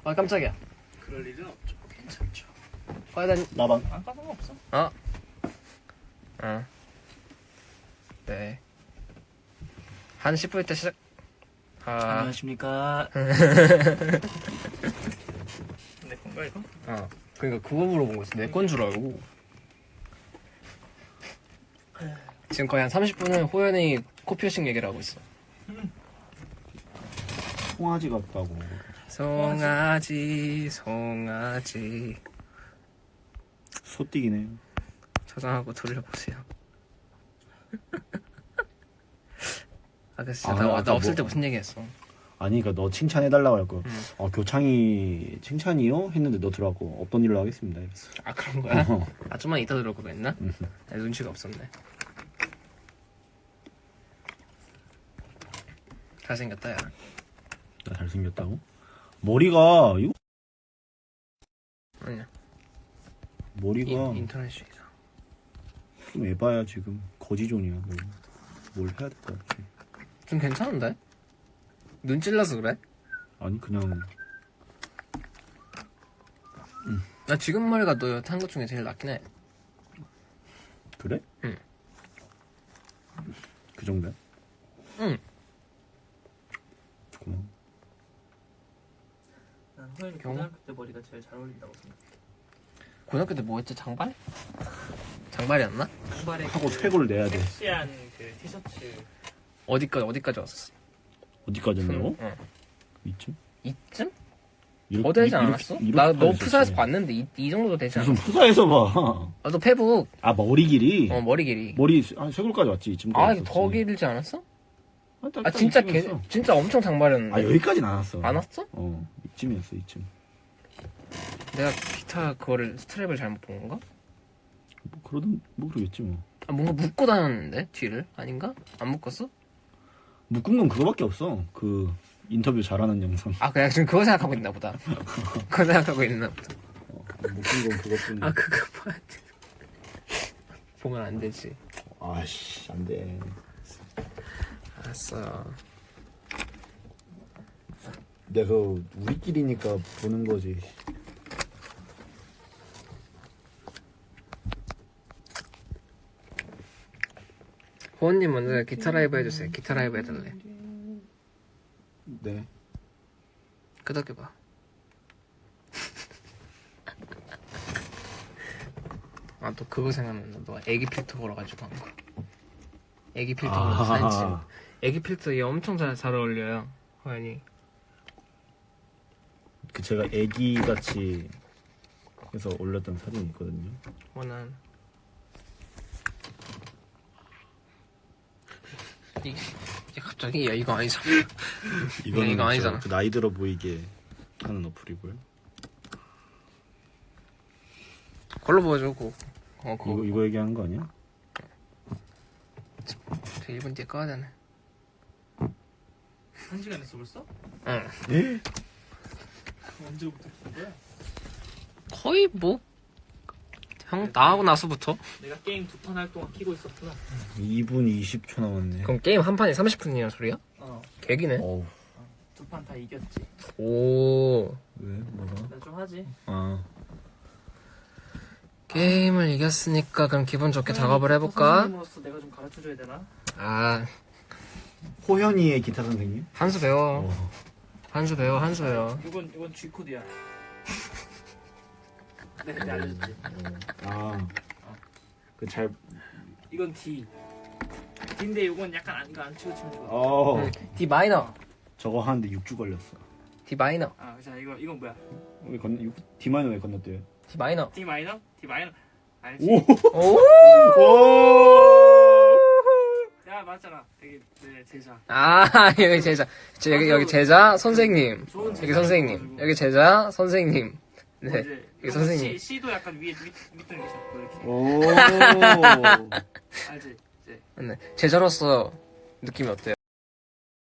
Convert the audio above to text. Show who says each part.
Speaker 1: 아 깜짝이야.
Speaker 2: 그럴 일은 없죠. 괜찮죠.
Speaker 1: 과연
Speaker 3: 나방.
Speaker 2: 안 까는 거 없어.
Speaker 1: 네. 한 10분 때 시작.
Speaker 2: 안녕하십니까. 내 건가 이거?
Speaker 1: 그러니까 그거 물어본 거지. 내 건 줄 알고. 지금 거의 한 30분은 호연이 코피어싱 얘기를 하고 있어.
Speaker 3: 송아지 같다고.
Speaker 1: 송아지.
Speaker 3: 소띠기네.
Speaker 1: 저장하고 돌려보세요. 아까 진짜
Speaker 3: 아,
Speaker 1: 나
Speaker 3: 아까
Speaker 1: 없을
Speaker 3: 뭐-
Speaker 1: 때 무슨 얘기했어?
Speaker 3: 아니 그러니까 너 칭찬해달라고 할 거.
Speaker 1: 응.
Speaker 3: 교창이 칭찬이요? 했는데 너 들어가고 없던 일로 하겠습니다. 이랬어.
Speaker 1: 아 그런 거야?
Speaker 3: 어.
Speaker 1: 아 좀만 이따 들어올 걸 그랬나?
Speaker 3: 응.
Speaker 1: 내 눈치가 없었네. 잘생겼다 야.
Speaker 3: 나 잘생겼다고? 머리가 이거
Speaker 1: 아니야.
Speaker 3: 머리가
Speaker 1: 인터넷이다.
Speaker 3: 좀 에바야 지금 거지존이야. 뭘 해야 될 것 같아.
Speaker 1: 좀 괜찮은데? 눈 찔러서 그래?
Speaker 3: 아니 그냥
Speaker 1: 나 지금 머리가 너 여태 한 것 중에 제일 낫긴 해.
Speaker 3: 그래?
Speaker 1: 응.
Speaker 3: 그 정도야?
Speaker 1: 응.
Speaker 3: 고마워.
Speaker 2: 난 호연이
Speaker 1: 경호?
Speaker 2: 고등학교 때 머리가 제일 잘 어울린다고 생각해.
Speaker 1: 고등학교 때 뭐 했지? 장발? 장발이었나?
Speaker 2: 장발에
Speaker 3: 하고 퇴고를 내야 돼.
Speaker 2: 섹시한 그 티셔츠.
Speaker 1: 어디까지 왔었어?
Speaker 3: 어디까지 했냐고?
Speaker 1: 응.
Speaker 3: 이쯤?
Speaker 1: 이쯤?
Speaker 3: 이렇게-
Speaker 1: 더 되지
Speaker 3: 이렇게-
Speaker 1: 않았어?
Speaker 3: 이렇게
Speaker 1: 나 너
Speaker 3: 빠졌었지.
Speaker 1: 푸사에서 봤는데 이 정도 되지 않았어?
Speaker 3: 무슨 푸사에서 봐.
Speaker 1: 아, 너 페북.
Speaker 3: 아 머리 길이?
Speaker 1: 머리 길이.
Speaker 3: 머리 한 쇄골까지 왔지 이쯤.
Speaker 1: 아, 이거 더 길지 않았어? 아, 진짜 진짜 엄청 장발이었는데.
Speaker 3: 아 여기까지는 안 왔어.
Speaker 1: 안 왔어?
Speaker 3: 이쯤이었어 이쯤.
Speaker 1: 내가 기타 그거를 스트랩을 잘못 본 건가?
Speaker 3: 뭐 그러든 뭐 그러겠지 뭐.
Speaker 1: 아, 뭔가 묶고 다녔는데 뒤를 아닌가? 안 묶었어?
Speaker 3: 묶은 건 그거밖에 없어. 그 인터뷰 잘하는 영상.
Speaker 1: 아 그냥 지금 그거 생각하고 있나 보다. 그거 생각하고 있나 보다.
Speaker 3: 묶은 건 그것뿐.
Speaker 1: 아 그거 봐야 돼. 보면 안 되지.
Speaker 3: 아씨 안 돼.
Speaker 1: 알았어.
Speaker 3: 내가 우리끼리니까 보는 거지.
Speaker 1: 호원님 먼저 기타 라이브 해주세요. 기타 라이브 해달래.
Speaker 3: 네.
Speaker 1: 끄덕여봐. 아 또 그거 생각난다. 너 애기 필터 걸어가지고 한 거. 애기 필터 걸어서 사진 찍은 거. 애기 필터 얘 엄청 잘 어울려요. 호연이.
Speaker 3: 그 제가 애기 같이 해서 올렸던 사진이 있거든요.
Speaker 1: 원한. 이게 갑자기 야 이거 아니잖아.
Speaker 3: 이거는
Speaker 1: 이거 아니잖아.
Speaker 3: 그 나이 들어 보이게 하는 어플이고요.
Speaker 1: 걸로 보여줘. 그거.
Speaker 3: 이거 얘기하는 거 아니야?
Speaker 1: 1분 뒤에 꺼야 되네.
Speaker 2: 1시간 했어 벌써?
Speaker 1: 응.
Speaker 3: 예?
Speaker 2: 언제부터 킨 거야?
Speaker 1: 거의 뭐 형 나하고 나서부터.
Speaker 2: 내가 게임 2판 할 동안 키고 있었구나.
Speaker 3: 2분 20초 남았네.
Speaker 1: 그럼 게임 한 판이 30분이란 소리야? 개기네.
Speaker 3: 어우.
Speaker 2: 2판 다 이겼지.
Speaker 1: 오.
Speaker 3: 왜? 뭐가?
Speaker 2: 나 좀 하지.
Speaker 3: 아.
Speaker 1: 게임을 이겼으니까 그럼 기분 좋게 작업을 해볼까?
Speaker 2: 선생님으로서 내가 좀 가르쳐줘야 되나?
Speaker 1: 아
Speaker 3: 호연이의 기타 선생님?
Speaker 1: 한수 배워.
Speaker 3: 어.
Speaker 1: 한수 배워.
Speaker 2: 이건 G 코드야. 내가 알려줬지.
Speaker 3: 아. 그 잘.
Speaker 2: 이건 D. D인데 이건 약간 이거 안 치고 치면 좋아.
Speaker 1: D 마이너.
Speaker 3: 저거 하는데 6주 걸렸어.
Speaker 1: D 마이너.
Speaker 2: 아, 자 이건 뭐야?
Speaker 3: 왜 D마이너 왜 건너뛰어요?
Speaker 1: D 마이너.
Speaker 2: D 마이너? D 마이너. 알지?
Speaker 3: 오!
Speaker 1: 오.
Speaker 3: 오!
Speaker 2: 야 맞잖아. 되게 내 제자.
Speaker 1: 아 여기 제자. 여기 제자 선생님.
Speaker 2: 좋은
Speaker 1: 여기
Speaker 2: 제자.
Speaker 1: 선생님. 여기 제자 선생님. 네.
Speaker 2: 이제
Speaker 1: 여기 선생님.
Speaker 2: C도 약간 밑둥이 잡고 이렇게.
Speaker 3: 오!
Speaker 2: 알지? 이제
Speaker 1: 네. 제자로서 느낌이 어때요?